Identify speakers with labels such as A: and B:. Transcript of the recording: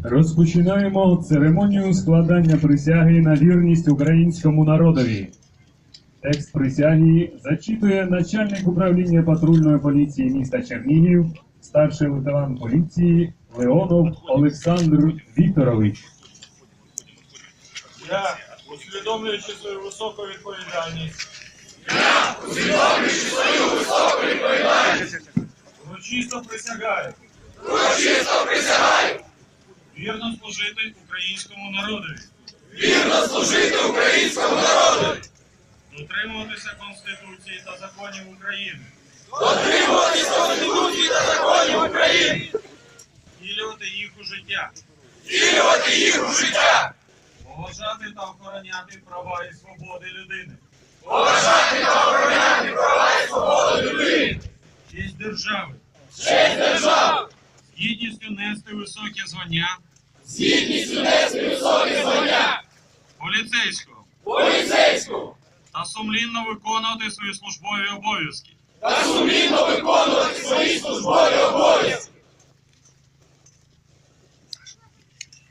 A: Розпочинаємо церемонію складання присяги на вірність українському народові. Текст присяги зачитує начальник управління патрульної поліції міста Чернігів, старший лейтенант поліції Леонов Олександр Вікторович.
B: Я, усвідомлюючи свою високу відповідальність, урочисто присягаю вірно служити українському народові, дотримуватися Конституції та законів України, втілювати їх у життя, поважати та охороняти права і свободи людини, честь держави, з гідністю нести високі звання поліцейського та сумлінно виконувати свої службові обов'язки